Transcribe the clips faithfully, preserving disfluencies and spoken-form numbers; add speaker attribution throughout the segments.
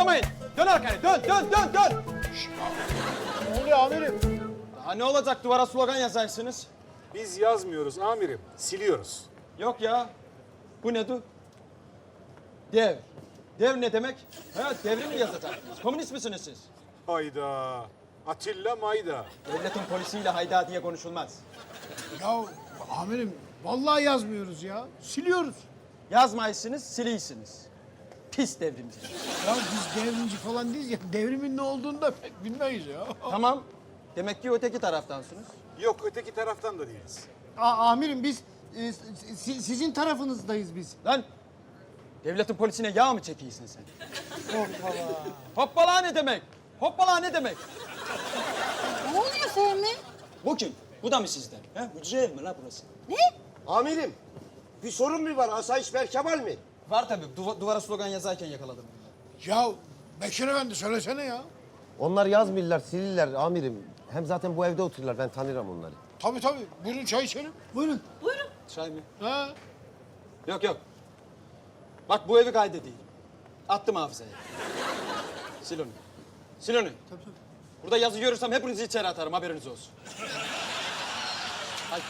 Speaker 1: kıpırdamayın. Dön arkaya, dön, dön, dön, dön.
Speaker 2: Ne oluyor amirim?
Speaker 1: Daha ne olacak, duvara slogan yazarsınız?
Speaker 2: Biz yazmıyoruz amirim, siliyoruz.
Speaker 1: Yok ya. Bu ne du? Dev. Dev ne demek? Ha, devrim mi yazacaksınız? Komünist misiniz siz?
Speaker 2: Hayda. Atilla Mayda.
Speaker 1: Devletin polisiyle hayda diye konuşulmaz.
Speaker 3: Ya amirim vallahi yazmıyoruz ya. Siliyoruz.
Speaker 1: Yazmayısınız, siliysiniz. Pis devrimci.
Speaker 3: Ya biz devrimci falan değiliz ya. Devrimin ne olduğunu da pek bilmeyiz ya.
Speaker 1: Tamam. Demek ki öteki taraftansınız.
Speaker 2: Yok, öteki taraftan da değiliz.
Speaker 4: A- amirim biz e, si- sizin tarafınızdayız biz.
Speaker 1: Lan! Devletin polisine yağ mı çekiyorsun sen? Hoppala. Hoppala ne demek? Hoppala ne demek?
Speaker 5: Ne oluyor Fehmi?
Speaker 1: Bu kim? Bu da mı sizden? He? Hücre ev mi la burası?
Speaker 6: Amirim, bir sorun mu var? Asayiş Berkemal mi?
Speaker 1: Var tabii. Duva- duvara slogan yazarken yakaladım.
Speaker 3: Ya Bekir Efendi söylesene ya.
Speaker 6: Onlar yazmıyorlar, silirler amirim. Hem zaten bu evde otururlar, ben tanırım onları.
Speaker 3: Tabii tabii. Buyurun çay içelim.
Speaker 4: Buyurun.
Speaker 1: Çay mı?
Speaker 3: Ha?
Speaker 1: Yok yok. Bak bu evi kaydedeyim. Attım hafızaya. Sil onu. Sil onu. Tabii tabii. Burada yazı görürsem hepinizi içeri atarım, haberiniz olsun. Haydi.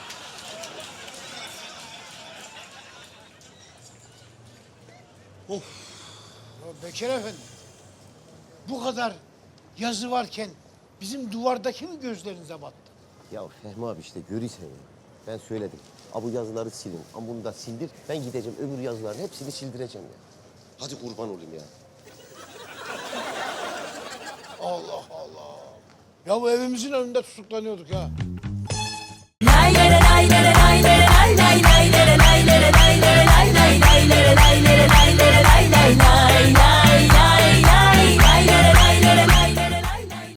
Speaker 3: Ya Bekir Efendi. Bu kadar yazı varken bizim duvardaki mi gözlerinize battı?
Speaker 6: Ya Fehmi abi işte görürsen ya. Ben söyledim. Ha bu yazıları silin. Ama bunu da sildir. Ben gideceğim öbür yazıların hepsini sildireceğim ya. Hadi kurban olayım ya.
Speaker 3: Allah Allah. Ya bu evimizin önünde tutuklanıyorduk ha.
Speaker 5: Lay lay lay lay lay.